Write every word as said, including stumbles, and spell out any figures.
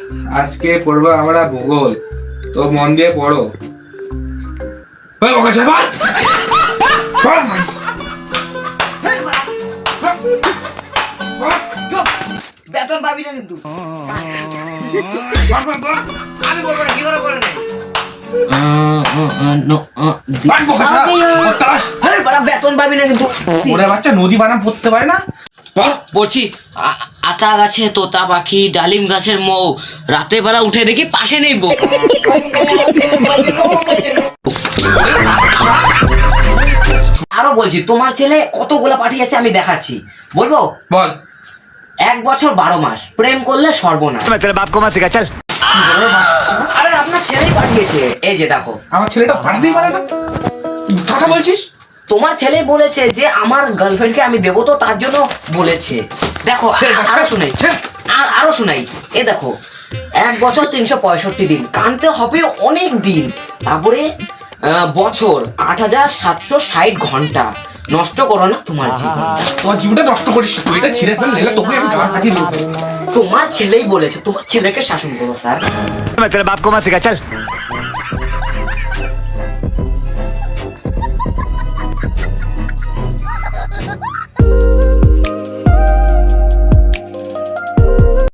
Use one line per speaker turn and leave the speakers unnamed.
আজকে পড়বো আমরা ভূগোল, তো মন দিয়ে পড়ো। ওই ওকে চাপা
বেতন পাবি না কিন্তু। আমি বলবো না, কি করে করে নেই বেতন পাবি না কিন্তু।
ওরে বাচ্চা নদী বানাম পড়তে পারে না।
বলছি আ- আতা গাছে তোতা পাখি, ডালিম গাছের মৌ, রাতের বেলা উঠে দেখি পাশে নেই বউ। আরো বলছি, তোমার ছেলে কতগুলা পাঠিয়েছে আমি দেখাচ্ছি, বলবো?
বল।
এক বছর বারো মাস প্রেম করলে সর্বনাশ। আরে আপনার ছেলেই পাঠিয়েছে, এই যে দেখো।
আমার ছেলেটা পাঠাতেই পারে না, কথা বলছিস?
তোমার ছেলে বলেছে যে আমার গার্লফ্রেন্ডকে আমি দেবো, তো তার জন্য বলেছে। দেখো আ- আরো শুনাই, আর আরো শুনাই। এ দেখো, এক বছর তিনশো পঁয়ষট্টি দিন, কানতে হবে অনেক দিন। তারপরে আহ, বছর আট হাজার সাতশো ষাট ঘন্টা। নষ্ট করো না তোমার জীবন।
তোমার জীবনটা নষ্ট করিস তুই, এটা ছিঁড়ে ফেল, নাহলে তোকে আমি গাল ফাটিয়ে দেবো।
তোমার ছেলেই বলেছে, তোমার ছেলেকে শাসন করো স্যার।
मैं तेरे बाप को मत सिखा चल।